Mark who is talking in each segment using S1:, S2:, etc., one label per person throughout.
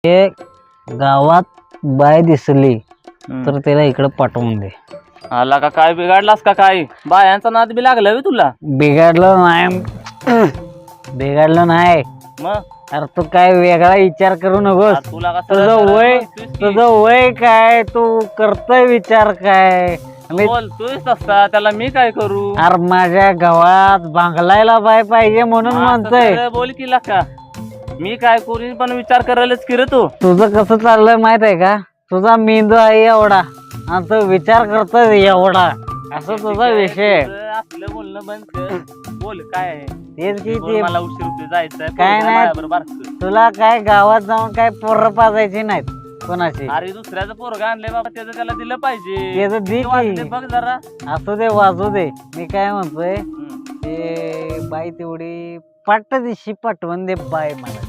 S1: हे गावात बाय दिसली तर त्याला इकडे पाठवून दे.
S2: आला का काय बिघडलास का काय? बायांचा नाद बी लागला तुला?
S1: बिघडलं नाही, बिघडलं नाही.
S2: मग
S1: अरे तू काय वेगळा विचार करू नकोस.
S2: तुला
S1: तुझं वय काय, तू करतोय विचार काय?
S2: बोलतोय तसा, त्याला मी काय करू?
S1: अरे माझ्या गावात बांगलायला बाय पाहिजे म्हणून म्हणतोय.
S2: बोल की का मी काय करू, पण विचार करायलाच की रे तू.
S1: तुझं कसं चाललंय माहित आहे का? तुझा मेंदू आहे एवढा आणि तो विचार करतोय एवढा, असं तुझा विषय.
S2: आपलं बोलणं बंद कर. बोल काय आहे
S1: तेच की
S2: बोल, मला उशीर होतोय, जायचंय.
S1: काय नाही.
S2: बरोबर
S1: तुला काय गावात जाऊन काय पोरं पाजायची नाहीत कोणाची.
S2: अरे दुसऱ्याचं पोरगा आणलंय बाबा, त्याचं त्याला दिलं पाहिजे.
S1: त्याचं दे की.
S2: बघ जरा.
S1: असू दे वाजू दे. मी काय म्हणतोय ते बाई तेवढी पाट दिशी पाठवून दे बाय मला.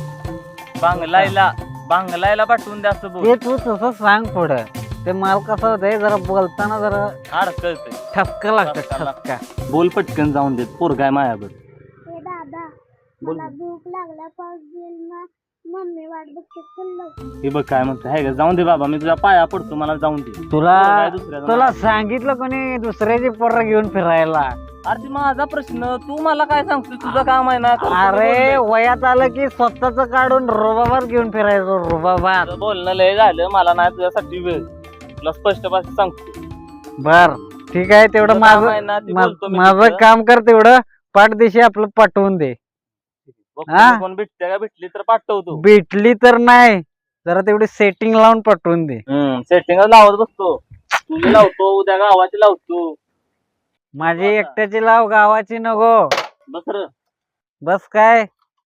S2: बांगलायला पाठवून द्या असं बोल.
S1: ते तू तसं सांग पुढं. ते माल कसं होतंय, जरा बोलताना जरा
S2: अडकळतंय,
S1: ठपका लागतं, ठपका.
S2: बोल पटकन जाऊन देत. पोरगा आहे मायावर.
S3: दादा मला भूक लागला, पाऊस येईल ना, मम्मी वाट बघते, चल.
S2: हे बघ काय म्हणतो आहे का, जाऊन दे बाबा, मी तुझ्या पाया पडतो, मला जाऊन दे.
S1: तुला सांगितलं कोणी दुसऱ्याची पोरं घेऊन फिरायला?
S2: अरे माझा प्रश्न, तू मला काय सांगतो? तुझं काम आहे ना.
S1: अरे वयात आलं की स्वतःच काढून रुबाबात घेऊन फिरायचो, रुबाबात.
S2: बोलणं लय झालं, मला नाही तुझ्यासाठी वेळ. तुला स्पष्ट भाषेत सांगतो.
S1: बर ठीक आहे, तेवढं माझं काम कर. तेवढं पाठ दिशी आपलं पाठवून दे.
S2: कोण भेटते का? भेटली तर पाठवतो.
S1: भेटली तर नाही, जरा तेवढी सेटिंग लावून पाठवून दे.
S2: सेटिंग लावत बसतो. तुझी लावतो, उद्या गावाची लावतो.
S1: माझी एकट्याची लाव, गावाची नको. बस काय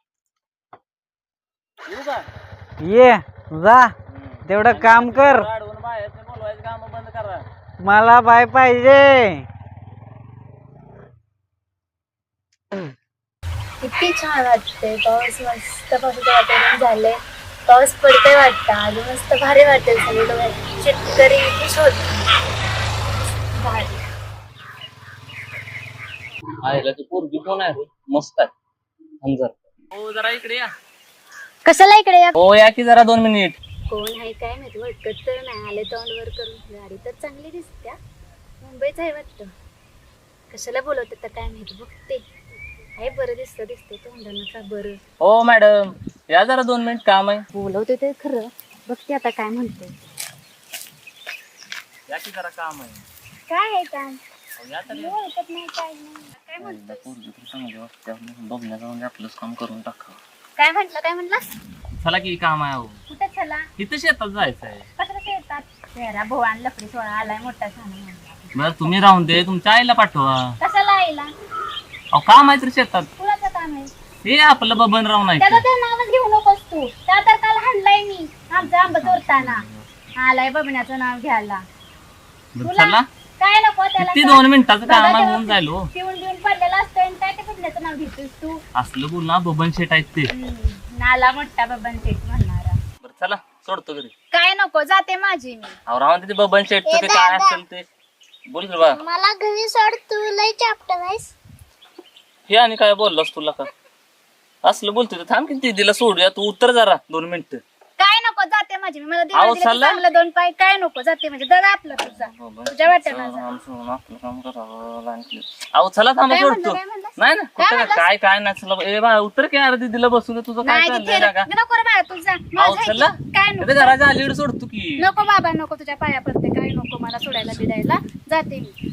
S1: ये जा, तेवढं काम कर.
S2: काम बंद करा.
S1: मला बाय पाहिजे.
S3: किती छान वाटते. पाऊस मस्त, पावसाचं वातावरण झालंय. पाऊस पडतोय वाटतं आज, मस्त भारी वाटेल. सगळे शेतकरी खुश होत.
S2: पोरगी कोण आहे? मस्त आहे. हो जरा इकडे या.
S3: कशाला इकडे या?
S2: हो या की जरा 2 मिनिट.
S3: कोण आहे काय माहिती, वाटत तर नाही. आले तोंड वर करून. गाडी तर चांगली दिसत्या, मुंबईच आहे वाटतं. कशाला बोलवते तर काय माहिती, बघते. आहे बरं दिसतं तोंडानं का बरं.
S2: हो मॅडम या जरा 2 मिनिट, काम आहे.
S3: बोलवते ते खरं, बघते आता काय म्हणते.
S2: या की जरा काम आहे.
S3: काय आहे काम?
S2: ओळखत
S3: नाही काय नाही. काय म्हणतो?
S2: आपलंच काम करून टाका.
S3: काय म्हटलं?
S2: चला की काम आहे.
S3: कुठे चला?
S2: इथं शेतात जायचंय.
S3: कशाला शेतात? तेरा भोवान लफडी सोळा आलाय मोठा सांग.
S2: बरं तुम्ही राहून दे, तुमच्या आईला पाठवा.
S3: कशाला आईला?
S2: अहो काम आहे तर शेतात.
S3: कुणाचं काम आहे?
S2: हे आपलं बबन राव नाही.
S3: त्याचं ते नावच घेऊ नकोस तू. त्या तर काल हाणलाय मी आमचा आंबा चोरताना. आलाय बबण्याचं नाव घ्यायला.
S2: चला
S3: काय नको त्याला?
S2: किती 2 मिनिटाचं काम आहे, होऊन जाईल. हो
S3: पिऊन पडलेला असतोय आणि काय ते बबण्याचं नाव घेतोस तू?
S2: असलं बोल ना, बबन शेट आहेत ते.
S3: नाला मोठा बबन शेट म्हणणारा.
S2: बरं चला सोडतो घरी.
S3: काय नको, जाते माझी मी.
S2: अहो राहून ते बबन शेटचं ते काय असेल ते बोल की बा.
S3: मला घरी सोड, तू लय चॅप्टर आहेस.
S2: हे आणि काय बोललास तुला का? असलं बोलतोय तर थांब की दीदीला सोडूया, तू उतर जरा 2 मिनिटं.
S3: काय नको, जाते माझी मी. मला
S2: अहो, चाललंय?
S3: चांगलं 2 पाय. काय नको, जाते म्हणजे दादा आपलं तुझा तुझ्या वाट्याला जा.
S2: आपलं काम करावं लागलं. अहो चला थांबा
S3: काय
S2: सोडतो.
S3: म्हणलं, काय म्हणलं?
S2: नाही ना
S3: काय
S2: कुठं
S3: म्हणलंस?
S2: काय नाही. चला ए बा उतर की यार, दीदीला बसून दे. तुझं काय
S3: नाही
S2: चाललंय
S3: तिथे
S2: ना का?
S3: नको रे बाळा, तुझा
S2: अहो चला
S3: काय नको,
S2: घराच्या अलीकडे सोडतो की.
S3: नको बाबा नको, तुझ्या पाया पडते. काय नको मला सोडायला बिडायला, जाते मी.